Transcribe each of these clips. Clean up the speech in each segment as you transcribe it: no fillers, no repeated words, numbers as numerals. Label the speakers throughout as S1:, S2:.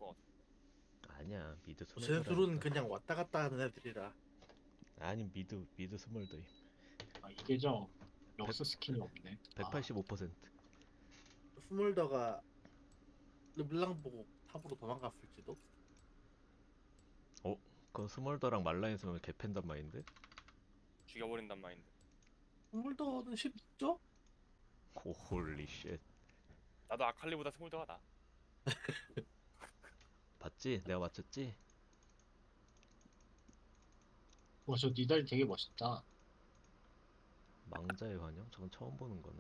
S1: 것 같아.
S2: 아니야 미드
S3: 쟤네 둘은
S2: 스몰더라니까.
S3: 그냥 왔다 갔다 하는 애들이라.
S2: 아니 미드 스몰더임.
S4: 아, 이게 저
S2: 백-
S4: 럭스 스킨이 없네. 아,
S2: 185%.
S3: 스몰더가 르블랑 보고 탑으로 도망갔을지도.
S2: 어? 그건 스몰더랑 말라인스면 개팬단 마인드?
S1: 죽여버린단 마인드.
S3: 스몰더는 쉽죠?
S2: 오 홀리 쉣.
S1: 나도 아칼리보다 스몰더가 나.
S2: 봤지? 내가 맞췄지?
S4: 와, 저 니달리 되게 멋있다.
S2: 망자의 환영? 저건 처음 보는 거네.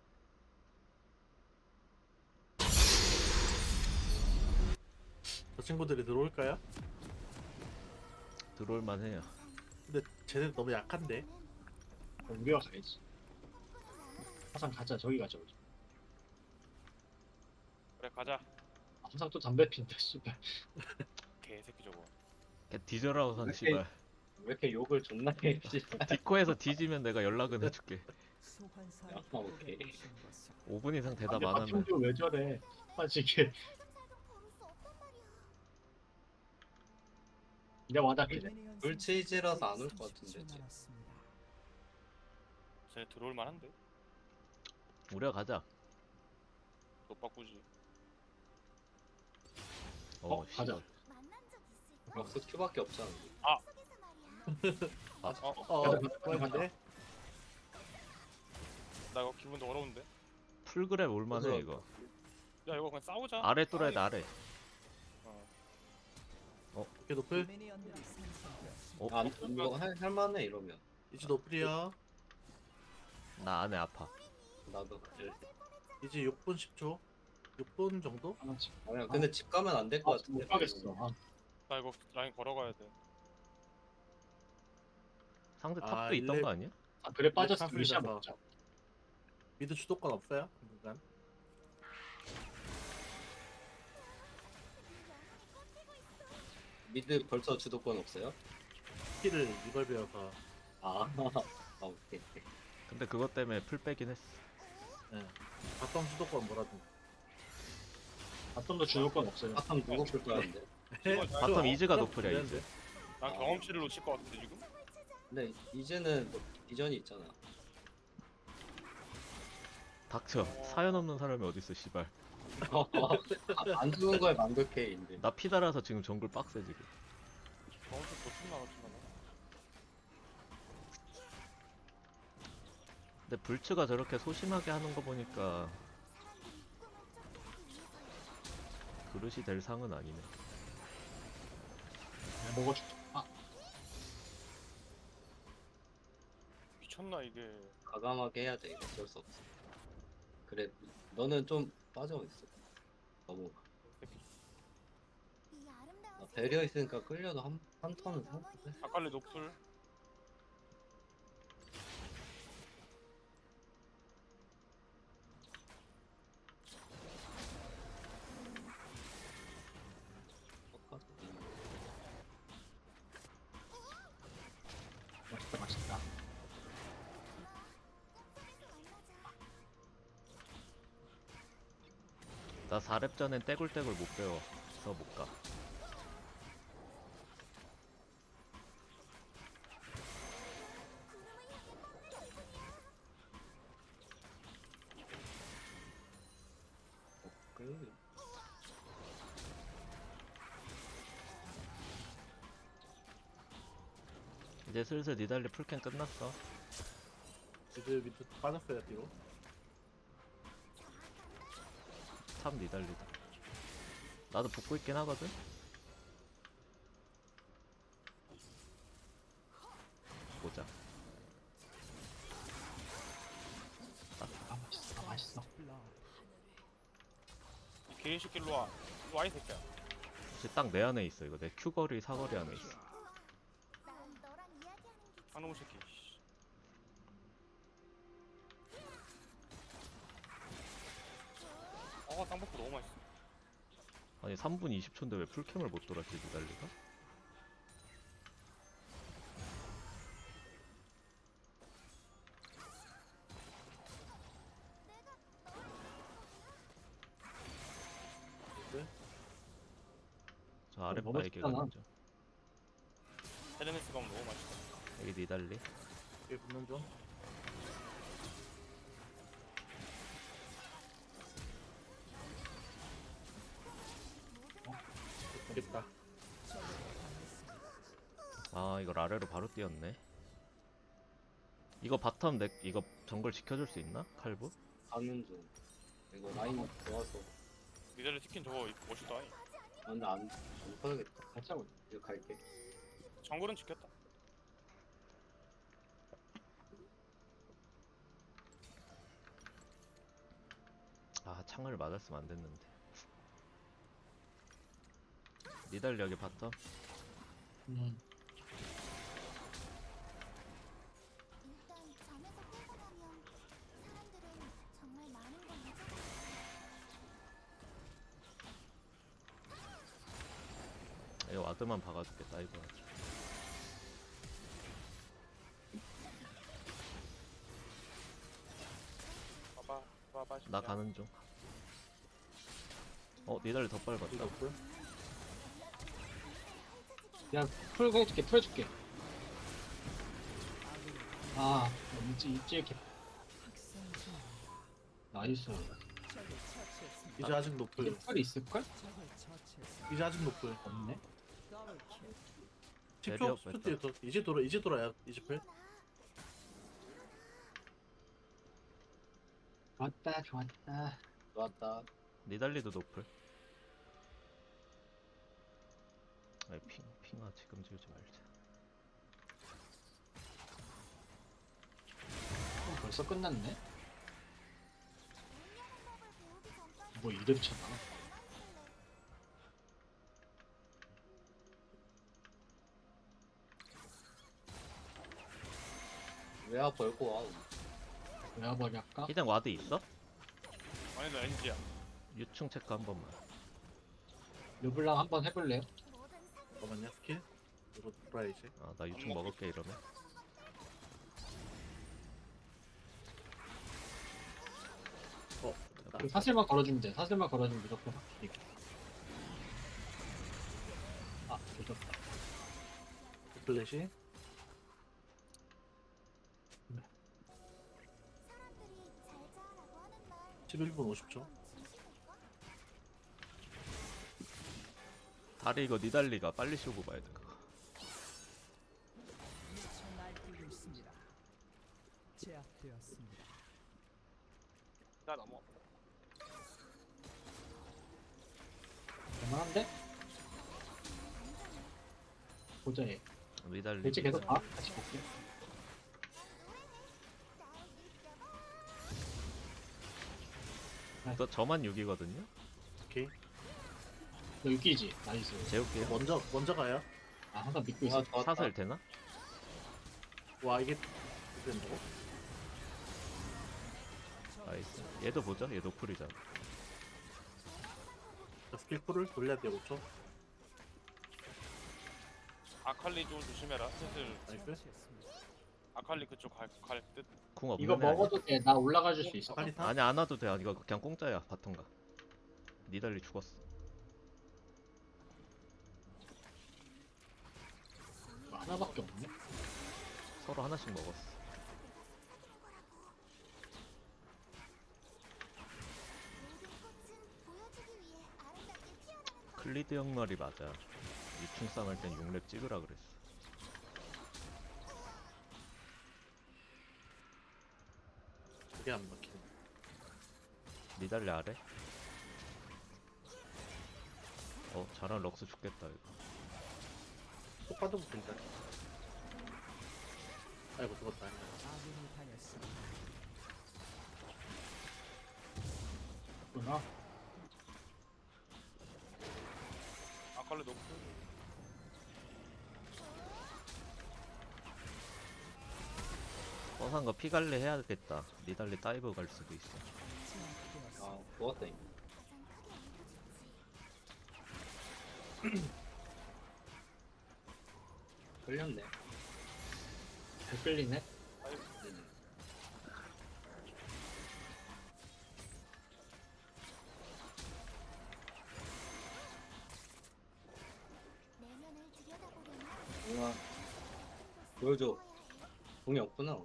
S3: 저 친구들이 들어올까요?
S2: 들어올만 해요.
S3: 근데 쟤네 너무 약한데.
S4: 우리가 가야지. 항상 가자, 저기 가자. 우리.
S1: 그래 가자.
S4: 항상 또 담배 핀다, 씨발.
S1: 개새끼 저거.
S2: 걔 뒤져라 우선
S5: 왜
S2: 씨발.
S5: 왜 이렇게 욕을 존나 해, 씨발.
S2: 디코에서 뒤지면 내가 연락은 해줄게.
S5: 야, 오케이.
S2: 5분 이상 대답
S4: 담배
S2: 안 하면
S4: 파충류 왜 저래? 빠지게. 내가 와닿길래.
S5: 물치이지라서 안 올 것 같은데, 쟤.
S1: 쟤네 들어올 만한데?
S2: 우리가 가자.
S1: 너 바꾸지.
S4: 가자.
S2: 씨발.
S5: 럭스 큐밖에 없잖아.
S3: 그런데
S1: 나 이거 기분 더러운데?
S2: 풀그랩 올만해
S5: 그래서-
S2: 이거.
S1: 야 이거 그냥 싸우자.
S2: 아래 뚫어야 돼 아래.
S3: 이렇게 노플
S5: 안, 이거 할만해, 이러면.
S3: 이제 노플이야.
S2: 나 안에 아파.
S5: 나도 그래.
S3: 이제 6분 10초. 6분 정도?
S4: 하나씩.
S5: 아니야, 근데 집 가면 안 될 것 같은데.
S4: 못 가겠어. 아,
S1: 나 이거 라인 걸어가야 돼.
S2: 상대
S3: 아,
S2: 탑도 있던
S3: 일렙-
S2: 거 아니야?
S4: 아, 그래 빠졌어.
S3: 네,
S4: 루시아
S3: 탑을
S4: 먹자.
S3: 미드 주도권 없어요? 당분간.
S5: 미드 벌써 주도권 없어요?
S3: 킬을 이걸 배워서.
S5: 아, 아, 오케이.
S2: 근데 그것 때문에 풀 빼긴 했어.
S3: 예. 바텀 주도권 뭐라든.
S4: 바텀도 죽을 건 없어요.
S5: 아참 누구 풀 거였는데.
S2: 바텀 이즈가 노플이야, 이즈.
S1: 난 경험치를 놓칠 것 같은데 지금?
S5: 근데 이제는 뭐 비전이 있잖아.
S2: 닥쳐. 사연 없는 사람이 어딨어 씨발.
S5: 안 죽은 거에 만족해, 인데.
S2: 나 피달아서 지금 정글 빡세 지금.
S1: 경험치 놓친다 놓친다.
S2: 근데 불츠가 저렇게 소심하게 하는 거 보니까 그릇이 될 상은 아니네.
S4: 먹어줄게. 아,
S1: 미쳤나 이게.
S5: 과감하게 해야 돼, 이거 어쩔 수 없어. 그래, 너는 좀 빠져있어. 너무.
S1: 새끼.
S5: 배려 있으니까 끌려도 한 턴은 상관없네.
S1: 아칼리 노플.
S4: 맛있다, 맛있다.
S2: 나 4렙 전엔 떼굴떼굴 못 배워. 서 못 가.
S5: 끌려.
S2: 이제 슬슬 니달리 풀캔 끝났어.
S3: 미드 미드 빠졌어요 뒤로.
S2: 참 니달리다. 나도 붙고 있긴 하거든. 보자.
S4: 아, 맛있어, 맛있어.
S1: 이 개새끼 일로 와. 일로 와이 새끼야.
S2: 이제 딱 내 안에 있어 이거. 내 큐거리 사거리 안에 있어.
S1: 한놈 새끼. 씨. 땅볶이 너무 맛있어.
S2: 아니 3분 20초인데 왜 풀캠을 못 돌았지 니달리가?
S3: 미드.
S2: 저 아랫
S4: 너무
S2: 바에게
S4: 쉽잖아.
S2: 가는 중.
S1: 헤르메스 가면 너무 맛있다.
S2: 여기 니달리.
S3: 여기 붙는 중. 되겠다.
S2: 아 이걸 아래로 바로 뛰었네. 이거 바텀 넥 이거 정글 지켜줄 수 있나? 칼부?
S5: 가는 중. 이거 라인 좋아서.
S1: 니달리 치킨 저거 멋있다.
S5: 아, 근데 안 퍼야겠다. 같이 하고 이거 갈게.
S1: 정글은 지켰다.
S2: 아 창을 맞았으면 안 됐는데. 니달리 여기 바텀.
S4: 음.
S6: 일단 잠에서 깨고 나면 사람들은 정말 많은 걸 잊어.
S2: 이거 와드만 박아줄게 다이브 하자.
S1: 봐봐.
S2: 나 가는 중. 니달리 더 빨리
S3: 여기
S2: 봤다.
S3: 없고요.
S4: 그냥 풀고 해줄게 풀어줄게. 아 입지 이렇게. 나이스.
S3: 이제 아직
S4: 이게
S3: 높을.
S4: 풀이 있을걸?
S3: 이제 아직 높을.
S4: 없네.
S3: 10초?
S2: 레디업
S3: 10초 뒤에 더. 이제 돌아야 이제 풀.
S4: 좋았다 좋았다.
S5: 좋았다.
S2: 니달리도 노플. 아이 핑아 지금 지우지 말자.
S4: 벌써 끝났네.
S6: 운영법을 배우기 전까지
S4: 뭐 이래 붙였나?
S5: 왜 아파 열고 와.
S4: 외화벌이 할까?
S2: 희장 와드 있어?
S1: 아니 나 NG야.
S2: 유충 체크 한 번만.
S4: 르블랑 한번 해볼래요?
S6: 모든 상
S3: 잠깐만요. 스킬. 이거 돌아야 이제.
S2: 나 유충 먹을게 이러면.
S3: 됐다.
S4: 그 사슬만 걸어주면 돼. 사슬만 걸어주면 무조건 이겨. 아 조졌다.
S3: 플래시.
S6: 사람들이 잘 자라고 하는 날
S3: 11분 50초.
S6: 진심일까?
S2: 다리 이거 니달리가 빨리 씌우고 봐야 돼 그거.
S7: 미쳐 날뛰고 있습니다. 제압되었습니다.
S1: 나 넘어.
S4: 할만한데? 보자 얘.
S2: 니달리.
S4: 대체 계속 봐. 같이 볼게.
S2: 너 저만 6이거든요?
S3: 오케이.
S4: 너 육기지? 나이스.
S2: 재울게요.
S3: 먼저 가요.
S4: 아 항상 믿고
S5: 아
S4: 있어.
S5: 좋았다.
S2: 사슬 되나?
S3: 와 이게 이렇게 된다고?
S2: 나이스. 얘도 보자. 얘 노플이잖아.
S3: 자, 스킬 쿨을 돌려야 돼요. 5초.
S1: 아칼리 좀 조심해라. 슬슬
S3: 나이스.
S7: 처치했습니다.
S1: 아칼리 그쪽 갈 듯.
S2: 궁 없는
S4: 이거
S2: 애 아니야?
S4: 먹어도 돼. 나 올라가 줄 수 있어.
S3: 빨리 타.
S2: 아니 안 와도 돼. 이거 그냥 공짜야. 바텀가. 니달리 죽었어.
S4: 이거 하나밖에 없네.
S2: 서로 하나씩 먹었어.
S6: 모든 꽃은 보여주기 위해 아름답게 피어나는 것.
S2: 클리드 형 말이 맞아. 유충 싸움할 땐 6렙 찍으라 그랬어.
S3: 그게 안 막히네.
S2: 니달리 아래? 잘한 럭스 죽겠다 이거.
S3: 또 빠져붙어 일단. 아이고 죽었다.
S7: 아군이 당했습니다.
S4: 구나.
S1: 아칼리 높고.
S2: 뻔한 거 피갈래 해야겠다. 니달리 다이브 갈 수도 있어.
S7: 제압되었습니다.
S5: 아 좋았다 이거.
S6: 가장 크게
S5: 끌렸네.
S4: 잘 끌리네.
S5: 보여줘. 공이 없구나.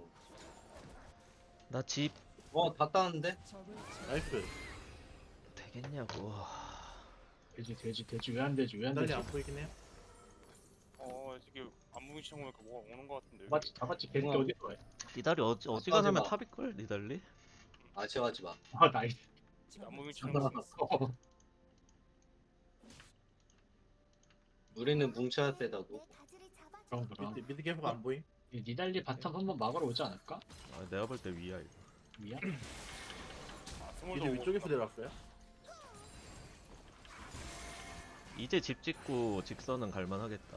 S2: 나 집
S5: 다 따는데?
S7: 적을
S3: 나이스.
S2: 되겠냐고.
S4: 돼지 왜 안 되지 왜 안
S3: 달리
S4: 되지?
S3: 안 보이긴 해요.
S1: 이게 안무기 시청 보니까 뭐가 오는 거 같은데.
S4: 잡았지 돼지
S5: 우와.
S4: 어디 거야?
S2: 니달리 어지간하면
S5: 하지 마.
S2: 탑일걸 니달리?
S5: 아쉬워하지 마.
S4: 아 나이스.
S1: 안무기 시청
S5: 우리는 뭉쳐야 세다고.
S4: 그럼 그럼.
S3: 미드 계속 안 보임.
S4: 니달리 바텀 한번 막으러 오지 않을까?
S2: 아, 내가 볼 때 위야 이거.
S4: 미야?
S1: 스몰도
S3: 미드 위쪽에서 내려왔어요.
S2: 이제 집 짓고 직선은 갈만하겠다.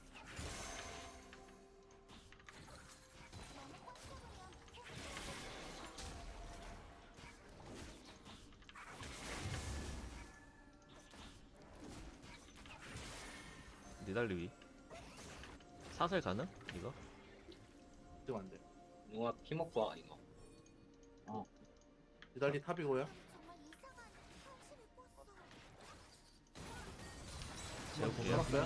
S2: 니달리 위. 사슬 가능? 이거?
S3: 지금 안 돼.
S5: 누가 피 먹고 와 이거.
S3: 미달리 탑이고요.
S2: 재울게요.
S3: 살았어요.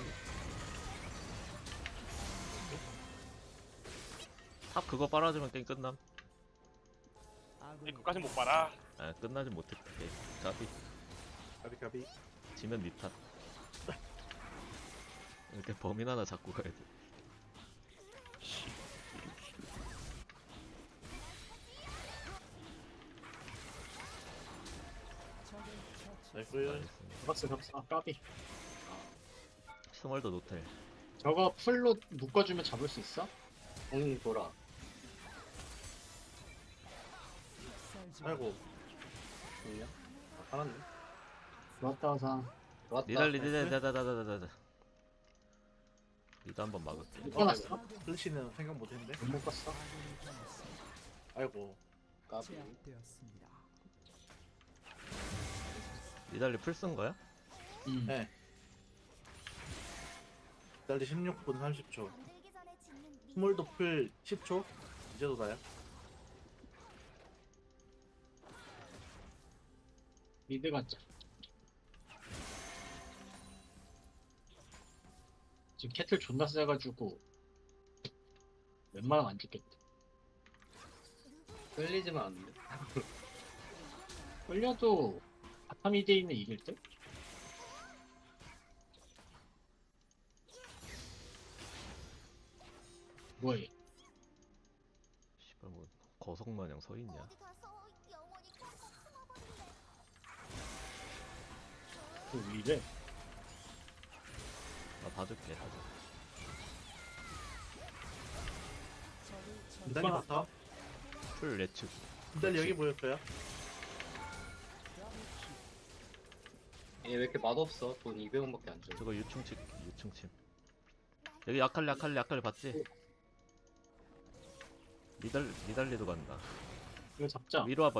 S2: 탑 그거 빨아주면 게임 끝남.
S7: 아군이
S1: 이거까지 못 봐라.
S2: 아 끝나진 못했다. 게임. 까비.
S3: 가비.
S2: 지면 니 탓. 이렇게 범인 하나 잡고 가야 돼.
S7: 적을 처치.
S3: 나이스.
S2: 알겠습니다.
S4: 잡았어. 아 까비.
S2: 스몰더 노텔.
S4: 저거 풀로 묶어주면 잡을 수 있어?
S5: 공이 돌아.
S7: 익살지
S3: 아이고.
S5: 공이야? 살았네.
S4: 좋았다 화상.
S5: 좋았다.
S2: 니달리 니달리 니도 한번 막을게.
S4: 묶어놨어?
S3: 플래시는 생각 못했는데.
S4: 못 묶었어?
S7: 아군이 당했습니다.
S3: 아이고.
S5: 까비.
S7: 제압되었습니다.
S2: 니달리 풀 쓴 거야?
S3: 네. 미달리 16분 30초. 스몰도 풀 10초. 이제 도다요.
S4: 미드 가자. 지금 캐틀 존나 세가지고 웬만하면 안 죽겠다.
S5: 끌리지만 안 돼.
S4: 끌려도 바텀 2대2는 이길 듯? 뭐해?
S2: 씨발 뭐 거석 마냥 서 있냐?
S6: 어디 가서 영원히 꽉꽉 숨어버릴래.
S4: 그 위래?
S2: 나 봐줄게 다들.
S7: 적을 처치.
S3: 미달리 봤어.
S2: 풀 예측.
S3: 미달리 여기 보였어요.
S5: 얘 왜 이렇게 맛없어? 돈 200원밖에 안 줘.
S2: 저거 유충침. 여기 아칼리 봤지? 니달리도 간다.
S4: 이거 잡자.
S2: 위로 와봐.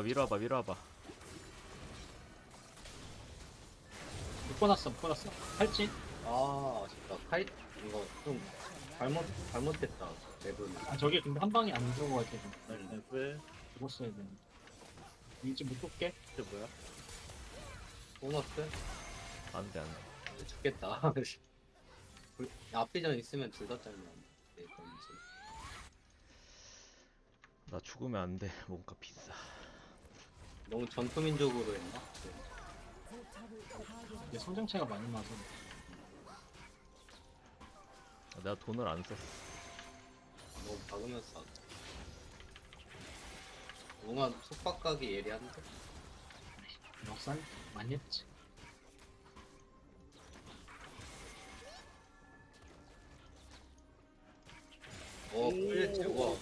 S4: 묶어놨어. 할지?
S5: 아 아쉽다. 카이 이거 좀 잘못했다. 맵은.
S4: 아 저게 근데 한 방에 안 들어가지고
S3: 나이스.
S4: 죽었어야 되는데. 이제 묶을게.
S3: 이게 뭐야?
S5: 보너스?
S2: 안돼.
S5: 죽겠다. 앞비전 있으면 둘 다 잘면 돼. 건지.
S2: 나 죽으면 안돼. 뭔가 비싸.
S5: 너무 전투민족으로 했나? 네.
S7: 포탑을 파괴.
S4: 이게 성장체가 많이 나서
S2: 내가 돈을 안 썼어.
S5: 너무 박으면서 하자. 뭔가 속박각이 예리한데?
S4: 역산 많이 했지.
S5: 플래치 와.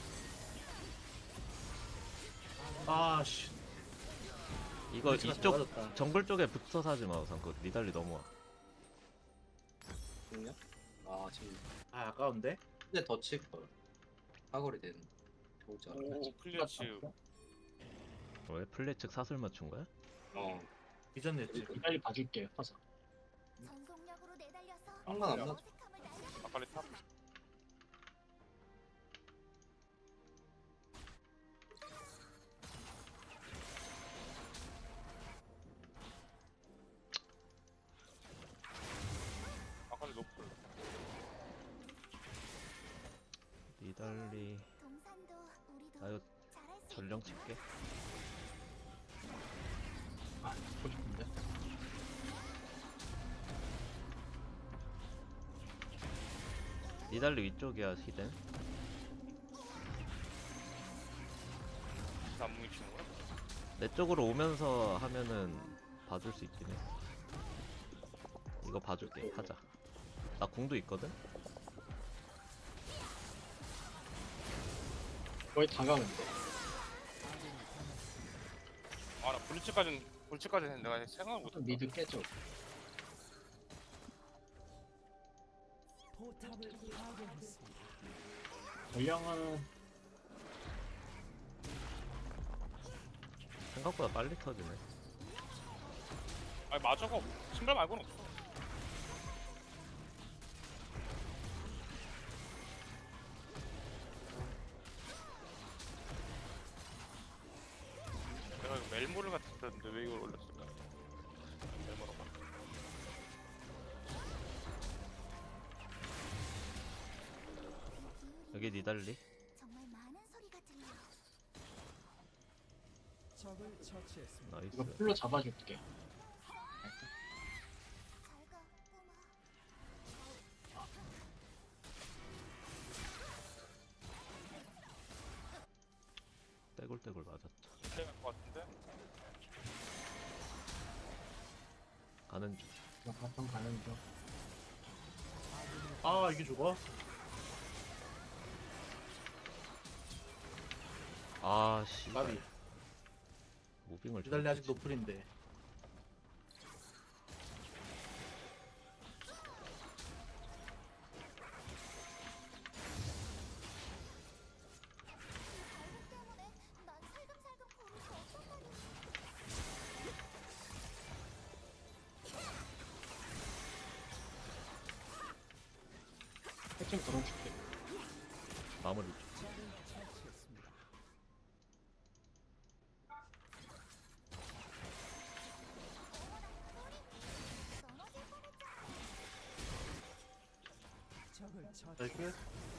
S3: 아씨.
S2: 이거
S3: 위치가
S2: 이쪽
S3: 좋아졌다.
S2: 정글 쪽에 붙어서 하지 마. 우선 그 니달리 넘어와.
S5: 죽냐? 아 지금
S3: 아 아까운데.
S5: 근데 더 칠걸. 사거리 되는. 도자.
S1: 오 플리츠.
S2: 왜 플레이 측 사슬 맞춘 거야?
S3: 이전 냈지.
S4: 빨리 봐줄게. 화상.
S6: 전속력으로 내달려서
S5: 상관 안 나.
S6: 어색함을 날려.
S1: 아칼리 탑. 아칼리 노플.
S2: 니달리 니달리.
S6: 동산도 우리도
S2: 나 이거
S6: 잘할 수
S2: 전령
S6: 있겠구나.
S2: 칠게.
S4: 아 듣고 싶은데.
S2: 니달리 위쪽이야 히든.
S1: 안무기 친구라.
S2: 내 쪽으로 오면서 하면은 봐줄 수 있긴 해. 이거 봐줄게. 하자. 나 궁도 있거든.
S4: 거의 다 가는데.
S1: 아나 불치까지는 내가 생각을 못했다.
S4: 미드 깨져.
S7: 포탑을 파괴했습니다.
S4: 전령은
S2: 생각보다 빨리 터지네.
S1: 아니 마저가 신발 말고는 없어. 내가 이거 멜모를 같았는데 왜 이걸 올렸을까? 멜모라고.
S2: 여기 니달리.
S6: 정말 많은 소리가 들려.
S7: 적을 처치했습니다.
S2: 나이스.
S4: 이거 풀로 잡아줄게.
S6: 잘 가, 꼬마.
S2: 떼굴떼굴 맞았다.
S1: 이때 갈것 같은데?
S2: 가는 중.
S4: 나 바텀 가는 중.
S3: 아 이게 죽어?
S2: 아 씨.
S3: 나비.
S2: 무빙을
S3: 니달리 아직
S2: 저렇게
S3: 노플인데.
S6: 때문에 난 살금살금 걸을 수 없단 말이야.
S4: 핵심 걸어줄게.
S2: 마무리 좀.
S7: 적을 처치했습니다.
S6: 넘어질 뻔했잖아.
S7: 적을 처치.
S3: 나이스.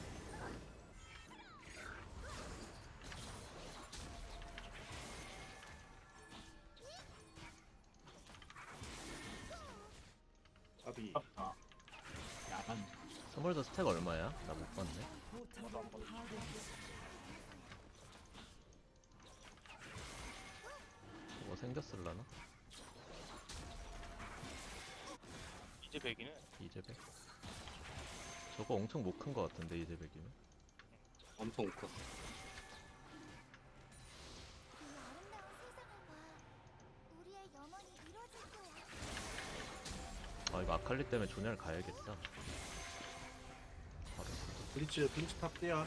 S3: 나비.
S4: 아, 야간.
S2: 스몰더 스택 얼마야? 나 못 봤네.
S7: 포탑을 파괴했습니다.
S2: 뭐 생겼을라나?
S1: 이제 100이네.
S2: 이제백. 저거 엄청 못 큰 거 같은데 이제백이면.
S5: 엄청 컸어.
S6: 이 아름다운 세상을 봐. 우리의 영원히 이루어질 거야.
S2: 아 이거 아칼리 때문에 조냐를 가야겠다. 바로.
S3: 블리츠 탑 뛰어.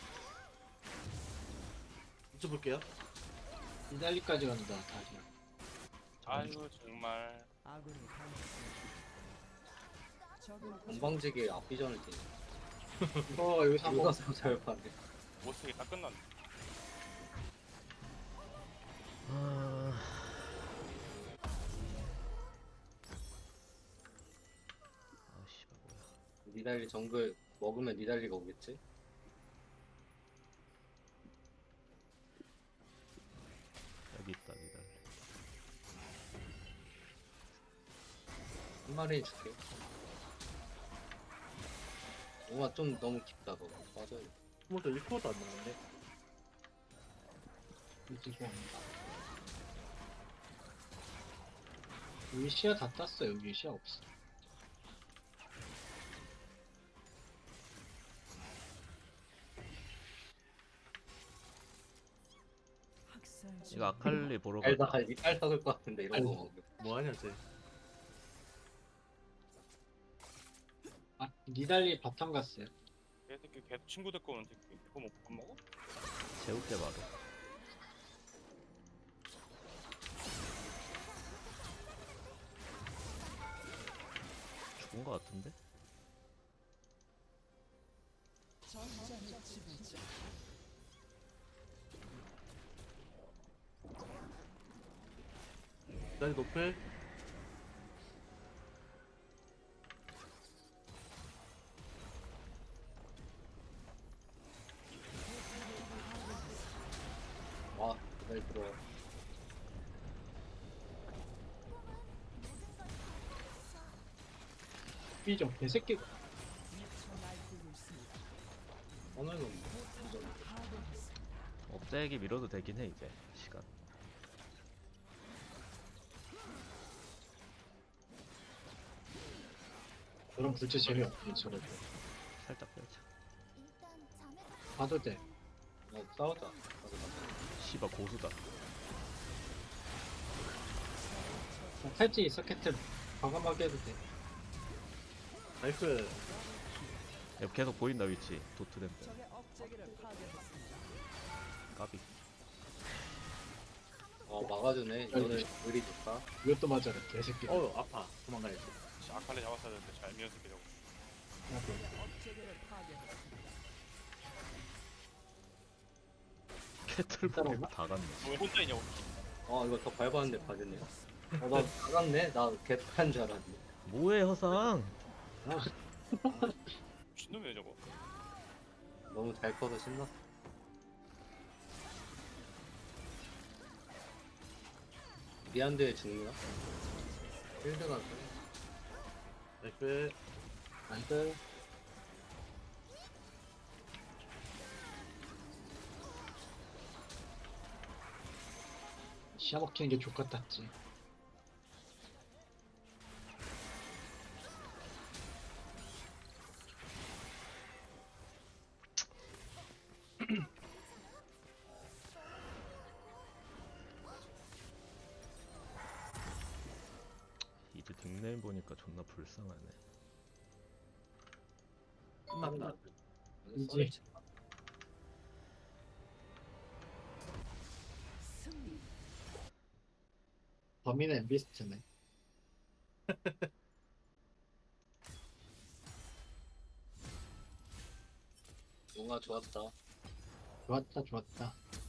S3: 블리츠 볼게요.
S4: 이달리까지 간다 다시.
S1: 아유 정말.
S7: 아군이 당했습니다. 적을
S5: 건방지게 앞비전을 뛰네.
S4: 이거 여기 사고.
S5: 누가 잘 봤네.
S1: 못쓰게 다 끝났네.
S2: 아... 아 씨발 뭐야.
S5: 니달리 정글 먹으면 니달리가 오겠지?
S2: 여기 있다 니달리.
S5: 한 마리 줄게. 우와 좀 너무 깊다 너. 빠져야 돼.
S3: 스몰도 1%도 안 나는데.
S4: 이거 여기 시야 다 땄어. 여기 시야 없어.
S7: 학살 중.
S2: 이거 아칼리 보러
S5: 알다
S2: 가자.
S5: 이빨 썩을 것 같은데 이런 거
S4: 아이고.
S5: 먹으면.
S3: 뭐하냐 쟤.
S4: 아 니달리 바텀 갔어요.
S1: 걔 걔 친구 데리고 오는데 그거 못 먹어?
S2: 재울게 바로. 죽은 거 같은데?
S7: 전장의 지배자.
S3: 니달리 노플.
S5: 들어와.
S4: 삐져 개새끼.
S7: 미쳐 날뛰고 있습니다.
S5: 오늘은
S7: 포탑을 파괴했습니다.
S2: 업자에게 밀어도 되긴 해 이제 시간.
S4: 그런 불체 재미없지 저래도.
S2: 살짝 빼자.
S6: 일단 잠에서
S4: 봐도 돼.
S5: 싸우자. 가서 가자.
S2: 씨발 고수다.
S4: 탈지 있어 캐틀. 과감하게 해도 돼.
S3: 나이스.
S2: 야, 계속 보인다 위치. 도트램프.
S7: 적의 억제기를 파괴했습니다.
S2: 까비.
S5: 막아주네. 이거는 의리 좋다.
S4: 이것도 맞아라 개새끼.
S3: 아파. 도망가야지.
S1: 진짜 아칼리 잡았어야 되는데 잘 미연습해 저거.
S7: 적의 억제기를 파괴했습니다.
S2: 캐틀볼이 다 갔네.
S1: 왜 혼자 있냐고.
S5: 이거 더 밟았는데 봐줬네요. 나 나갔네. 나 개판인 줄 알았네.
S2: 뭐해 허상?
S1: 미친놈이야 저거.
S5: 너무 잘 커서 신났어. 미안데 죽나? 필드가
S3: 나이스.
S5: 나이스.
S4: 시야 먹히는 게 족같았지.
S2: 이제 닉네임 보니까 존나 불쌍하네.
S3: 끝났다.
S4: 이제.
S7: 승리.
S4: 범인은 엠비스트네.
S5: 뭔가 좋았다.
S4: 좋았다 좋았다.